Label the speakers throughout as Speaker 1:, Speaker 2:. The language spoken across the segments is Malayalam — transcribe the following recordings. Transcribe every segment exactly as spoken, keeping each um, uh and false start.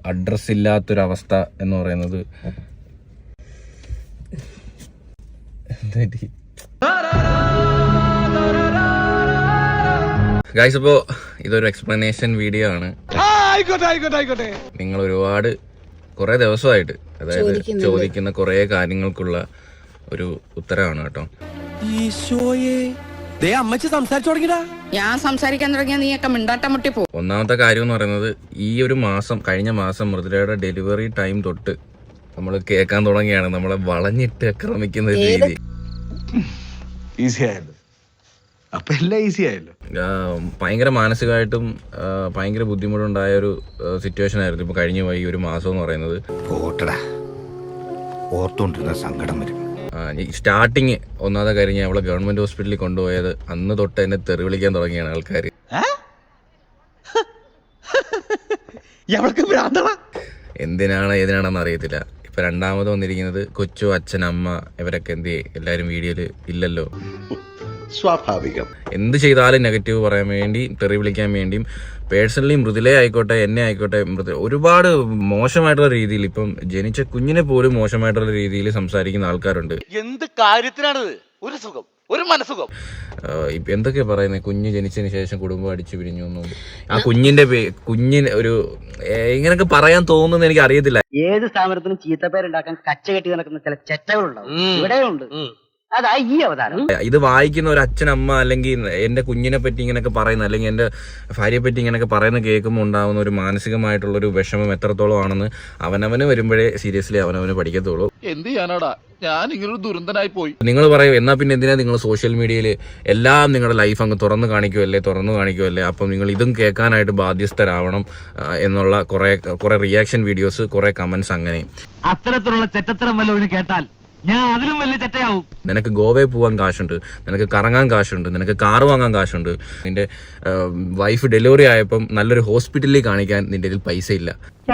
Speaker 1: അഡ്രസ് ഇല്ലാത്തൊരവസ്ഥ എന്ന് പറയുന്നത് ഗൈസ്, അപ്പോൾ ഇതൊരു എക്സ്പ്ലനേഷൻ വീഡിയോ ആണ്. നിങ്ങൾ ഒരുപാട് കുറെ ദിവസമായിട്ട് അതായത് ചോദിക്കുന്ന കുറെ കാര്യങ്ങൾക്കുള്ള ഒരു ഉത്തരവാണ് കേട്ടോ.
Speaker 2: ഞാൻ സംസാരിക്കാൻ തുടങ്ങിയ നീയൊക്കെ മിണ്ടാട്ടം മുട്ടി പോ.
Speaker 1: ഒന്നാമത്തെ കാര്യം എന്ന് പറയുന്നത്, ഈ ഒരു മാസം കഴിഞ്ഞ മാസം മൃദുലയുടെ ഡെലിവറി ടൈം തൊട്ട് നമ്മൾ കേൾക്കാൻ തുടങ്ങിയാണ് നമ്മളെ വളഞ്ഞിട്ട് ആക്രമിക്കുന്ന രീതി. ഭയങ്കര മാനസികമായിട്ടും ഭയങ്കര ബുദ്ധിമുട്ടുണ്ടായ ഒരു സിറ്റുവേഷൻ ആയിരുന്നു ഇപ്പൊ കഴിഞ്ഞു പോയി ഒരു മാസം എന്ന് പറയുന്നത്.
Speaker 3: സങ്കടം വരും.
Speaker 1: സ്റ്റാർട്ടിങ് ഒന്നാമത്തെ കാര്യം, ഞാൻ അവളെ ഗവൺമെന്റ് ഹോസ്പിറ്റലിൽ കൊണ്ടുപോയത് അന്ന് തൊട്ട് എന്നെ തെറി വിളിക്കാൻ തുടങ്ങിയാണ് ആൾക്കാർ. എന്തിനാണ് ഏതിനാണെന്ന് അറിയത്തില്ല. ഇപ്പൊ രണ്ടാമത് വന്നിരിക്കുന്നത് കൊച്ചു, അച്ഛൻ, അമ്മ ഇവരൊക്കെ എന്ത് എല്ലാരും വീഡിയോയില് ഇല്ലല്ലോ.
Speaker 3: സ്വാഭാവികം.
Speaker 1: എന്ത് ചെയ്താലും നെഗറ്റീവ് പറയാൻ വേണ്ടി, തെറി വിളിക്കാൻ വേണ്ടിയും, പേഴ്സണലി മൃദുലേ ആയിക്കോട്ടെ എന്നെ ആയിക്കോട്ടെ മൃദു ഒരുപാട് മോശമായിട്ടുള്ള രീതിയിൽ, ഇപ്പം ജനിച്ച കുഞ്ഞിനെ പോലും മോശമായിട്ടുള്ള രീതിയിൽ സംസാരിക്കുന്ന ആൾക്കാരുണ്ട്.
Speaker 4: എന്ത് കാര്യത്തിനാണിത്? ഒരു സുഖം, ഒരു മനസുഖം.
Speaker 1: ഇപ്പൊ എന്തൊക്കെയാ പറയുന്നത്, കുഞ്ഞ് ജനിച്ചതിന് ശേഷം കുടുംബം അടിച്ചു പിരിഞ്ഞു എന്നും, ആ കുഞ്ഞിന്റെ കുഞ്ഞിന് ഒരു ഇങ്ങനൊക്കെ പറയാൻ തോന്നുന്നു എനിക്ക് അറിയത്തില്ല.
Speaker 5: ഏത് സ്ഥാപനത്തിനും ചീത്തപ്പേരുണ്ടാക്കാൻ കച്ച കെട്ടി നടക്കുന്ന ചില ചെറ്റകളുണ്ടാവും, ഇവിടെയുണ്ട്. അതാ ഈ അവതാരം.
Speaker 1: ഇത് വായിക്കുന്ന ഒരു അച്ഛനമ്മ അല്ലെങ്കിൽ എന്റെ കുഞ്ഞിനെ പറ്റി ഇങ്ങനെയൊക്കെ പറയുന്ന, അല്ലെങ്കിൽ എന്റെ ഭാര്യയെ പറ്റി ഇങ്ങനെയൊക്കെ പറയുന്ന കേൾക്കുമ്പോൾ ഉണ്ടാവുന്ന ഒരു മാനസികമായിട്ടുള്ള ഒരു വിഷമം എത്രത്തോളം ആണെന്ന് അവനവന് വരുമ്പോഴേ സീരിയസ്ലി അവനവന് പഠിക്കത്തുള്ളൂ.
Speaker 4: എന്ത് ചെയ്യാനാടാ, ഞാൻ ഇങ്ങനൊരു ദുരന്തനായി പോയി.
Speaker 1: നിങ്ങൾ പറയും, എന്നാ പിന്നെ എന്തിനാ നിങ്ങൾ സോഷ്യൽ മീഡിയയിൽ എല്ലാം നിങ്ങളുടെ ലൈഫ് അങ്ങ് തുറന്നു കാണിക്കുമല്ലേ തുറന്നു കാണിക്കുമല്ലേ അപ്പം നിങ്ങൾ ഇതും കേൾക്കാനായിട്ട് ബാധ്യസ്ഥരാവണം എന്നുള്ള കുറെ കുറെ റിയാക്ഷൻ വീഡിയോസ്, കുറെ കമന്റ്സ്. അങ്ങനെ
Speaker 5: അത്തരത്തിലുള്ള ചെറ്റത്തരം വല്ലവരും കേട്ടാൽ ഞാൻ അതിലും വലിയ ചെറ്റയാവും.
Speaker 1: നിനക്ക് ഗോവയിൽ പോകാൻ കാശുണ്ട്, നിനക്ക് കറങ്ങാൻ കാശുണ്ട്, നിനക്ക് കാർ വാങ്ങാൻ കാശുണ്ട്, നിന്റെ വൈഫ് ഡെലിവറി ആയപ്പം നല്ലൊരു ഹോസ്പിറ്റലിൽ കാണിക്കാൻ നിന്റെ ഇതിൽ പൈസ ഇല്ല.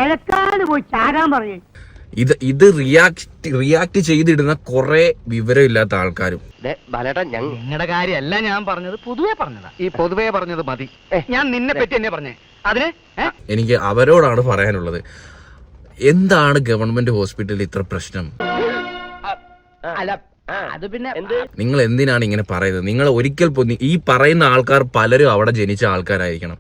Speaker 1: ഇത് ഇത് റിയാക്ട് റിയാക്ട് ചെയ്തിടുന്ന കുറെ വിവരമില്ലാത്ത ആൾക്കാരും.
Speaker 5: നിങ്ങളുടെ കാര്യമല്ല ഞാൻ പറഞ്ഞത്, പൊതുവെ പറഞ്ഞതാ. ഈ പൊതുവെ പറഞ്ഞത് മതി. ഞാൻ നിന്നെ പറ്റി എന്നെ പറഞ്ഞേ. അതിന്
Speaker 1: എനിക്ക് അവരോടാണ് പറയാനുള്ളത്, എന്താണ് ഗവൺമെന്റ് ഹോസ്പിറ്റലിൽ ഇത്ര പ്രശ്നം?
Speaker 5: അല്ല, അത് പിന്നെ
Speaker 1: നിങ്ങൾ എന്തിനാണ് ഇങ്ങനെ പറയുന്നത്? നിങ്ങൾ ഒരിക്കൽ ഈ പറയുന്ന ആൾക്കാർ പലരും അവിടെ ജനിച്ച ആൾക്കാരായിരിക്കണം.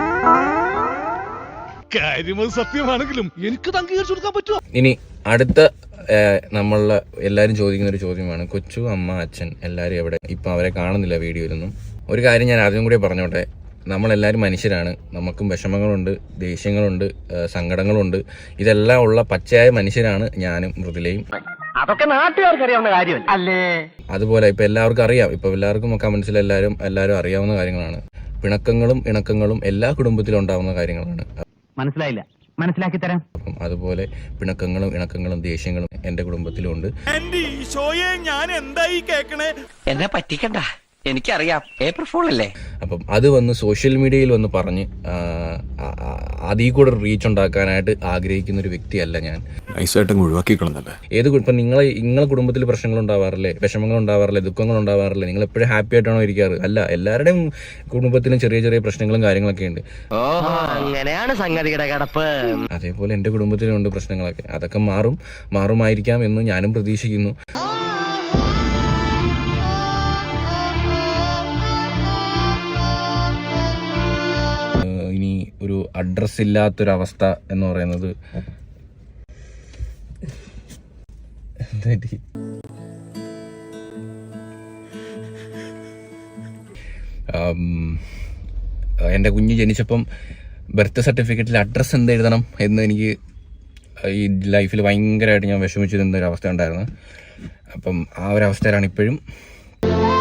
Speaker 4: സത്യമാണെങ്കിലും എനിക്ക് അംഗീകരിച്ചു കൊടുക്കാൻ പറ്റുമോ?
Speaker 1: ഇനി അടുത്ത നമ്മളെ എല്ലാരും ചോദിക്കുന്ന ഒരു ചോദ്യമാണ്, കൊച്ചു, അമ്മ, അച്ഛൻ എല്ലാരും എവിടെ? ഇപ്പൊ അവരെ കാണുന്നില്ല വീഡിയോയിലൊന്നും. ഒരു കാര്യം ഞാൻ ആദ്യം കൂടി പറഞ്ഞോട്ടെ, നമ്മളെല്ലാവരും മനുഷ്യരാണ്. നമുക്കും വിഷമങ്ങളുണ്ട്, ദേഷ്യങ്ങളുണ്ട്, സങ്കടങ്ങളുണ്ട്. ഇതെല്ലാം ഉള്ള പച്ചയായ മനുഷ്യരാണ് ഞാനും മൃദുലയും.
Speaker 5: അതൊക്കെ നാട്ടുകാർക്ക് അറിയാവുന്ന കാര്യം അല്ലേ?
Speaker 1: അതുപോലെ ഇപ്പൊ എല്ലാവർക്കും അറിയാം, ഇപ്പൊ എല്ലാവർക്കും കമന്റ്സിൽ എല്ലാവരും എല്ലാവരും അറിയാവുന്ന കാര്യങ്ങളാണ്. പിണക്കങ്ങളും ഇണക്കങ്ങളും എല്ലാ കുടുംബത്തിലും ഉണ്ടാവുന്ന കാര്യങ്ങളാണ്.
Speaker 5: മനസ്സിലായില്ല, മനസ്സിലാക്കി തരാം.
Speaker 1: അപ്പം അതുപോലെ പിണക്കങ്ങളും ഇണക്കങ്ങളും ദേഷ്യങ്ങളും എന്റെ കുടുംബത്തിലും ഉണ്ട്.
Speaker 4: ഞാൻ എന്തായി കേക്കണേ?
Speaker 2: എന്നെ പറ്റിക്കണ്ട, എനിക്കറിയാം, ഏപ്രിൽ ഫൂൾ അല്ലേ.
Speaker 1: അപ്പം അത് വന്ന് സോഷ്യൽ മീഡിയയിൽ വന്ന് പറഞ്ഞ് അതിൽ കൂടെ റീച്ച് ഉണ്ടാക്കാനായിട്ട് ആഗ്രഹിക്കുന്ന ഒരു വ്യക്തിയല്ല ഞാൻ. ഏത് ഇപ്പം നിങ്ങളെ നിങ്ങളെ കുടുംബത്തിൽ പ്രശ്നങ്ങൾ ഉണ്ടാവാറില്ലേ, വിഷമങ്ങൾ ഉണ്ടാവാറില്ലേ, ദുഃഖങ്ങൾ ഉണ്ടാവാറില്ലേ? നിങ്ങൾ എപ്പോഴും ഹാപ്പി ആയിട്ടാണോ ഇരിക്കാറ്? അല്ല, എല്ലാവരുടെയും കുടുംബത്തിലും ചെറിയ ചെറിയ പ്രശ്നങ്ങളും കാര്യങ്ങളൊക്കെ ഉണ്ട്.
Speaker 5: അങ്ങനെയാണ് സംഗതിയുടെ കിടപ്പ്.
Speaker 1: അതേപോലെ എന്റെ കുടുംബത്തിലും ഉണ്ട് പ്രശ്നങ്ങളൊക്കെ. അതൊക്കെ മാറും മാറുമായിരിക്കാം എന്ന് ഞാനും പ്രതീക്ഷിക്കുന്നു. ഇനി ഒരു അഡ്രസ് ഇല്ലാത്തൊരവസ്ഥ എന്ന് പറയുന്നത് എൻ്റെ കുഞ്ഞ് ജനിച്ചപ്പം ബർത്ത് സർട്ടിഫിക്കറ്റിൽ അഡ്രസ്സ് എന്ത് എഴുതണം എന്ന് എനിക്ക് ഈ ലൈഫിൽ ഭയങ്കരമായിട്ട് ഞാൻ വിഷമിച്ചിരുന്ന ഒരു അവസ്ഥ ഉണ്ടായിരുന്നു. അപ്പം ആ ഒരു അവസ്ഥയിലാണ് ഇപ്പോഴും.